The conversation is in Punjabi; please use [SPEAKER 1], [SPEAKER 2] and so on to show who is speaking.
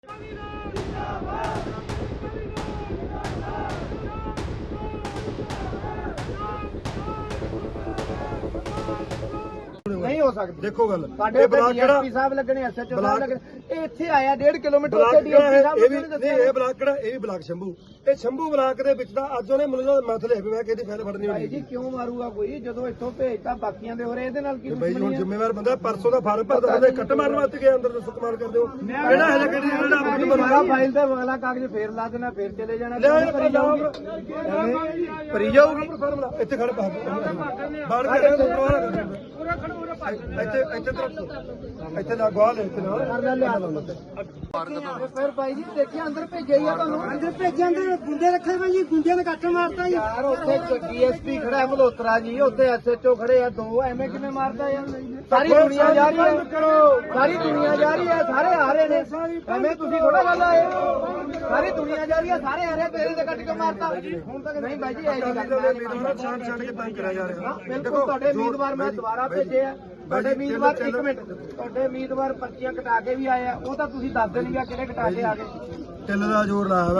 [SPEAKER 1] नहीं हो सकती।
[SPEAKER 2] देखो गल
[SPEAKER 1] ਸਾਡੇ
[SPEAKER 2] ਬਲਾਕ ਕਿਹੜਾ
[SPEAKER 1] ਡੀਐਸਪੀ ਸਾਹਿਬ ਲੱਗਣੇ ਐਸਐਚਓ ਸਾਹਿਬ
[SPEAKER 2] ਬਲਾਕ-
[SPEAKER 1] ਲੱਗਣੇ ਇਹ ਇੱਥੇ ਆਇਆ 1.5 ਕਿਲੋਮੀਟਰ
[SPEAKER 2] ਬਲਾਕ
[SPEAKER 1] ਉੱਥੇ ਡੀਐਸਪੀ
[SPEAKER 2] ਇਹ
[SPEAKER 1] ਸਾਹਿਬ
[SPEAKER 2] ਵੀ
[SPEAKER 1] ਲੱਗਣੇ
[SPEAKER 2] ਨਹੀਂ ਇਹ ਬਲਾਕ ਕਿਹੜਾ ਇਹ ਵੀ ਬਲਾਕ ਸ਼ੰਭੂ ਇਹ ਸ਼ੰਭੂ ਬਲਾਕ ਦੇ ਵਿੱਚ ਦਾ ਅੱਜ ਉਹਨੇ ਮੈਨੂੰ ਮਸਲੇ ਵੀ ਮੈਂ ਕਿਹਦੀ ਫਾਈਲ ਫੜਨੀ
[SPEAKER 1] ਭਾਈ
[SPEAKER 2] ਹੋਣੀ
[SPEAKER 1] ਜੀ ਕਿਉਂ ਮਾਰੂਗਾ ਕੋਈ ਜਦੋਂ ਇੱਥੋਂ ਭੇਜਤਾ ਬਾਕੀਆਂ ਦੇ ਹੋ ਰਹੇ ਇਹਦੇ ਨਾਲ ਕੀ
[SPEAKER 2] ਬਾਈ
[SPEAKER 1] ਦੁਸ਼ਮਣੀ
[SPEAKER 2] ਹੁਣ
[SPEAKER 1] ਹੈ?
[SPEAKER 2] ਜ਼ਿੰਮੇਵਾਰ ਬੰਦਾ ਪਰਸੋਂ ਦਾ ਫਾਰਮ ਭਰਦਾ ਉਹਦੇ ਕੱਟ ਮਾਰਨ ਵਾਸਤੇ ਗਿਆ ਅੰਦਰ ਦੱਸੋ ਕਮਾਲ ਕਰਦੇ ਹੋ ਕਿਹੜਾ ਹੈ ਕਿਹੜੀ ਜਿਹੜਾ ਆਪਣੀ
[SPEAKER 1] ਸਾਰਾ ਫਾਈਲ ਤੇ ਅਗਲਾ ਕਾਗਜ਼ ਫੇਰ ਲਾ ਦੇਣਾ ਫੇਰ ਚਲੇ ਜਾਣਾ
[SPEAKER 2] ਲੈ
[SPEAKER 1] ਕਿਉਂ ਭਰੀ ਜਾਊਗੀ ਭਰੀ ਜਾਊਗੀ
[SPEAKER 2] ਇੱਥੇ ਖੜ ਪਾ ਬਾੜ ਕੇ ਇੱਥੇ ਤਰਫ ਇੱਥੇ ਨਾ ਗਵਾ ਲੈ ਇੱਥੇ ਨਾ
[SPEAKER 1] ਫਿਰ ਭਾਈ ਜੀ ਦੇਖਿਆ ਅੰਦਰ ਭੇਜਿਆ ਹੀ ਆ ਤੁਹਾਨੂੰ ਅੰਦਰ ਭੇਜਿਆ ਅੰਦਰ ਗੁੰਡੇ ਰੱਖੇ ਭਾਈ ਜੀ ਗੁੰਡਿਆਂ ਨੇ ਕੱਟ ਮਾਰਤਾ ਜੀ ਯਾਰ ਉੱਥੇ ਡੀਐਸਪੀ ਖੜਾ ਹੈ ਮਲਹੋਤਰਾ ਜੀ ਉੱਥੇ ਐਸਐਚਓ ਖੜੇ ਆ ਦੋ ਐਵੇਂ ਕਿਵੇਂ ਮਾਰਦਾ ਯਾਰ ਸਾਰੀ ਦੁਨੀਆ ਜਾ ਰਹੀ ਹੈ ਸਾਰੀ ਦੁਨੀਆ ਜਾ ਰਹੀ ਹੈ ਸਾਰੇ ਆ ਰਹੇ ਨੇ ਐਵੇਂ ਤੁਸੀਂ ਥੋੜਾ ਗੱਲ ਆਏ ਸਾਰੀ ਦੁਨੀਆ ਜਾ ਰਹੀ ਹੈ ਸਾਰੇ ਆ ਰਹੇ ਤੇਰੇ ਤੇ ਕੱਟ ਕੇ ਮਾਰਤਾ ਹੁਣ ਤੱਕ ਨਹੀਂ ਭਾਈ ਜੀ ਐ ਨਹੀਂ ਕਰਨਾ
[SPEAKER 2] ਛੱਡ ਕੇ ਤੰਗ ਕਰਿਆ ਜਾ ਰਿਹਾ
[SPEAKER 1] ਬਿਲਕੁਲ ਤੁਹਾਡੇ ਉਮੀਦਵਾਰ ਮੈਂ ਦੁਬਾਰਾ ਭੇਜੇ ਆ ਤੁਹਾਡੇ ਉਮੀਦਵਾਰ ਇੱਕ ਮਿੰਟ ਤੁਹਾਡੇ ਉਮੀਦਵਾਰ ਪਰਚੀਆਂ ਕਟਾ ਕੇ ਵੀ ਆਏ ਆ ਉਹ ਤਾਂ ਤੁਸੀਂ ਦੱਸ ਦੇਣਗੇ ਕਿਹੜੇ ਕਟਾ ਕੇ ਆ ਗਏ
[SPEAKER 2] ਢਿੱਲ ਦਾ ਜ਼ੋਰ ਲਾਇਆ